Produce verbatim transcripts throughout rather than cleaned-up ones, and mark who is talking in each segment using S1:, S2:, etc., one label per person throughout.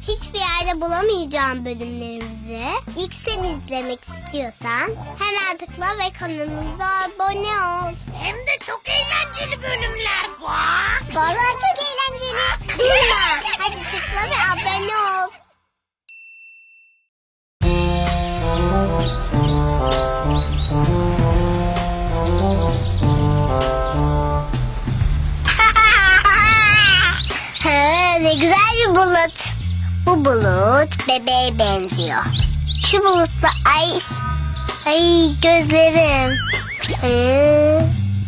S1: hiçbir yerde bulamayacağım bölümlerimizi ilk sen izlemek istiyorsan hemen tıkla ve kanalımıza abone ol.
S2: Hem de çok eğlenceli bölümler var.
S1: Vallahi çok eğlenceli. Durma. Hadi tıkla ve abone ol. Ha, ne güzel bir bulut. Bu bulut bebeğe benziyor. Şu bulutla ay ay gözlerim. Hı.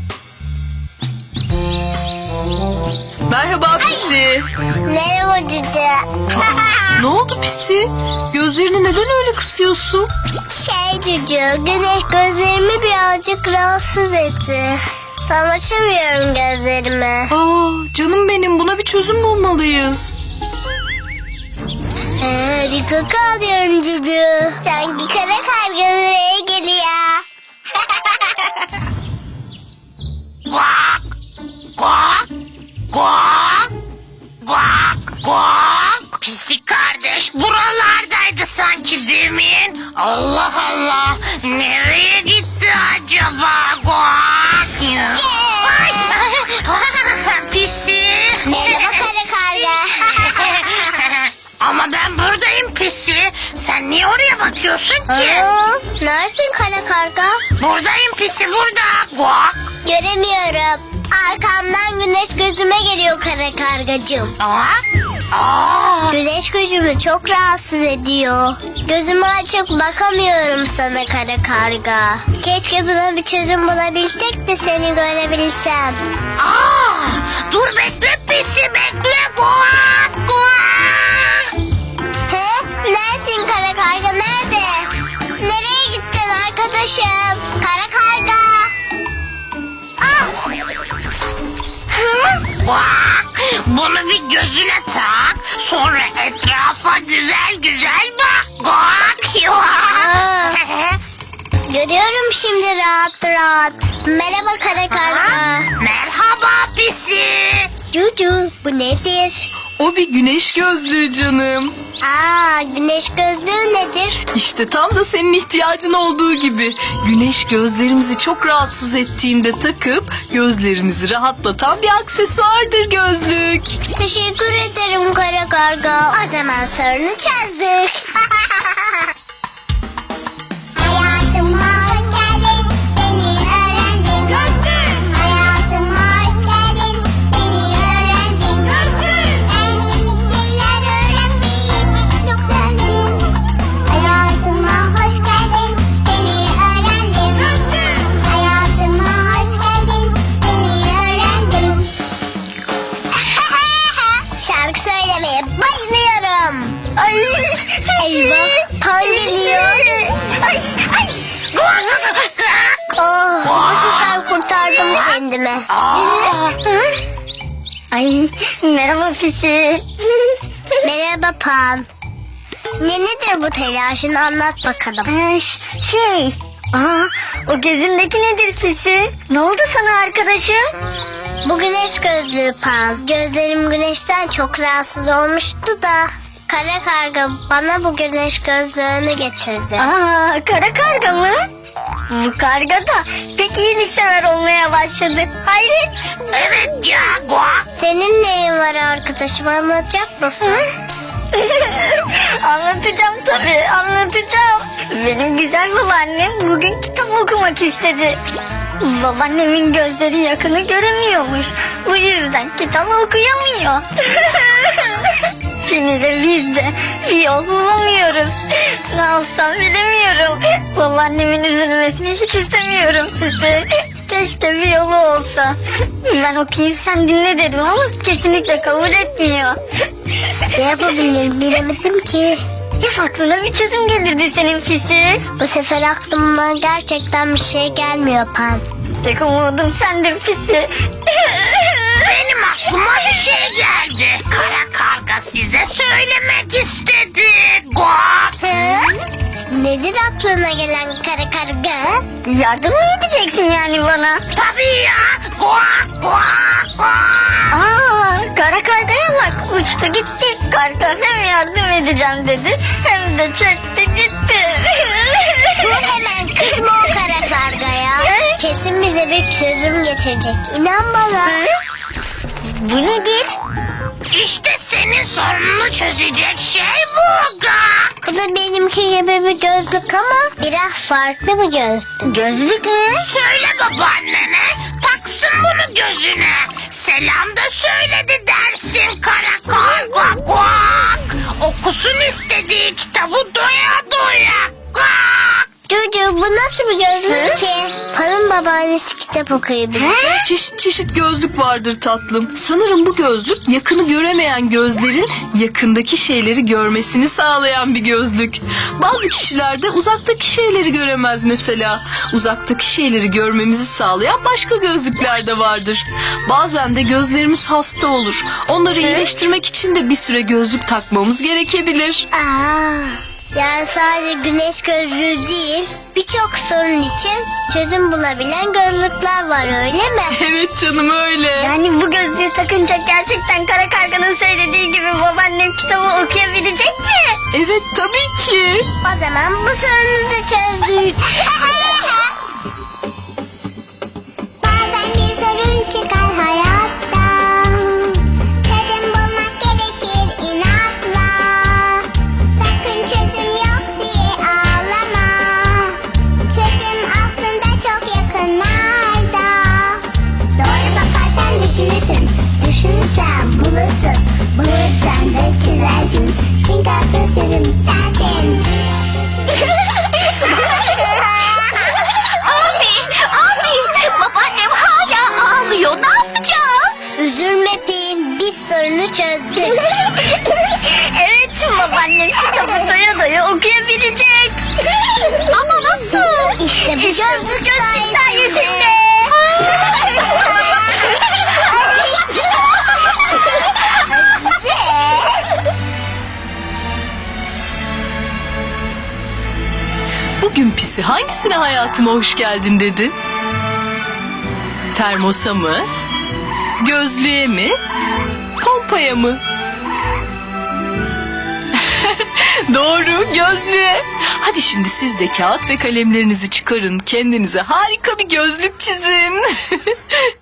S3: Merhaba Pisi.
S1: Merhaba cüce.
S3: Ne oldu Pisi? Gözlerini neden öyle kısıyorsun?
S1: Şey cüce, güneş gözlerimi birazcık rahatsız etti. Tam açamıyorum gözlerimi.
S3: Aa, canım benim, buna bir çözüm bulmalıyız.
S1: Ee, bir koku alıyorum cüce. Sanki kara karga buraya geliyor.
S2: Guak, guak, guak, guak, guak. Pisi kardeş buralardaydı sanki demin. Allah Allah, nereye gitti acaba guak? Ay, Pisi.
S1: Merhaba kara karga.
S2: Ama ben buradayım Pisi. Sen niye oraya bakıyorsun ki?
S1: Aa, neredesin kara karga?
S2: Buradayım Pisi, burada. Guak.
S1: Göremiyorum. Arkamdan güneş gözüme geliyor kara kargacığım.
S2: Aa, aa.
S1: Güneş gözümü çok rahatsız ediyor. Gözümü açıp bakamıyorum sana kara karga. Keşke buna bir çözüm bulabilsek de seni görebilsem.
S2: Aa, dur bekle Pisi, bekle. Guak, guak.
S1: He? Neredesin kara karga, nerede? Nereye gittin arkadaşım? Kara karga. Ah! Hı?
S2: Bak, bunu bir gözüne tak. Sonra etrafa güzel güzel bak. Bak,
S1: Aa. Görüyorum şimdi rahat rahat. Merhaba kara karga.
S2: Merhaba Pisi.
S1: Cucu, bu nedir?
S3: O bir güneş gözlüğü canım.
S1: Aa, güneş gözlüğü nedir?
S3: İşte tam da senin ihtiyacın olduğu gibi. Güneş gözlerimizi çok rahatsız ettiğinde takıp gözlerimizi rahatlatan bir aksesuardır gözlük.
S1: Teşekkür ederim kara karga. O zaman sorunu çözdük. Hayatıma hoş geldin, seni öğrendim. Gözlük. Hayatıma hoş geldin, seni öğrendim. Gözlük. Ben yeni şeyler öğrenmeyi çok sevdim. Hayatıma hoş geldin, seni öğrendim. Gözlük. Hayatıma hoş geldin, seni öğrendim. Şarkı söylemeye bayılıyorum. Ay, eyvah, Pan geliyor. Ay, ay. Oh, bu sefer kurtardım kendimi.
S2: Aa.
S1: Ay, merhaba Pisi. Merhaba Pan. Ne nedir bu telaşın, anlat bakalım.
S4: Ee, şey, aa, o gözündeki nedir Pisi? Ne oldu sana arkadaşım?
S1: Bu güneş gözlüğü Pan. Gözlerim güneşten çok rahatsız olmuştu da kara karga bana bu güneş gözlüğünü getirdi.
S4: Aa, kara karga mı? Bu karga da pek iyiliksever olmaya başladı. Hayret.
S2: Evet ya, guak.
S1: Senin neyin var arkadaşım, anlatacak mısın?
S4: Anlatacağım tabii, anlatacağım. Benim güzel babaannem bugün kitap okumak istedi. Babaannemin gözleri yakını göremiyormuş. Bu yüzden kitap okuyamıyor. Şimdi de biz de bir yol bulamıyoruz. Ne yapsam bilemiyorum. Babaannemin üzülmesini hiç istemiyorum size. Keşke bir yolu olsa. Ben okuyayım sen dinle dedim ama kesinlikle kabul etmiyor.
S1: Ne yapabilirim bilemedim ki.
S4: Hep aklına bir çözüm gelirdi senin Pisi.
S1: Bu sefer aklıma gerçekten bir şey gelmiyor Pan.
S4: Tek umudum sendir Pisi.
S2: Benim aklıma bir şey geldi. Kara karga size söylemek istedi. Guak.
S1: Hı? Nedir aklına gelen kara karga?
S4: Yardım mı edeceksin yani bana?
S2: Tabii ya. Guak, guak, guak.
S4: Aa, Kara kargaya bak, uçtu gitti. Karga hem yardım edeceğim dedi hem de çekti gitti.
S1: Dur hemen, kızma o kara kargaya. Kesin bize bir çözüm getirecek. İnan bana.
S4: Bu nedir?
S2: İşte senin sorununu çözecek şey bu Gak.
S1: Bu da benimki gibi bir gözlük ama biraz farklı bir gözlük.
S4: Gözlük mü?
S2: Söyle babaannene taksın bunu gözüne. Selam da söyledi dersin kara karga Gak. Okusun istediği kitabı doya doya Gak.
S1: Cucu, bu nasıl bir gözlük ki? Hanım babaannesi kitap okuyabilecek.
S3: Çeşit çeşit gözlük vardır tatlım. Sanırım bu gözlük yakını göremeyen gözlerin yakındaki şeyleri görmesini sağlayan bir gözlük. Bazı kişiler de uzaktaki şeyleri göremez mesela. Uzaktaki şeyleri görmemizi sağlayan başka gözlükler de vardır. Bazen de gözlerimiz hasta olur. Onları iyileştirmek için de bir süre gözlük takmamız gerekebilir.
S1: Aa, yani sadece güneş gözlüğü değil, birçok sorun için çözüm bulabilen gözlükler var, öyle mi?
S3: Evet canım öyle.
S4: Yani bu gözlüğü takınca gerçekten kara karganın söylediği gibi babaannem kitabı okuyabilecek mi?
S3: Evet tabii ki.
S1: O zaman bu sorunu da çözdük. Bazen bir sorun çıkar hayatta. Çözüm bulmak gerekir inatla. Sakın çözüm yok diye ağlama. Çözüm aslında çok yakınlarda. Doğru bakarsan düşünürsün. Düşünürsen bulursun. Bulursan da çizersin. Çünkü asıl çözüm sensin.
S2: Abi, abi babaannem hala ağlıyor. Ne yapacağız?
S1: Üzülme Pim, biz sorunu çözdük.
S4: Evet, babaannem kitabı doya doya okuyabilecek.
S2: Ama nasıl?
S1: İşte bu gözlük sayesinde.
S4: sayesinde.
S3: Bugün Pisi hangisine hayatıma hoş geldin dedi? Termosa mı? Gözlüğe mi? Kompaya mı? Doğru, gözlüğe. Hadi şimdi siz de kağıt ve kalemlerinizi çıkarın. Kendinize harika bir gözlük çizin.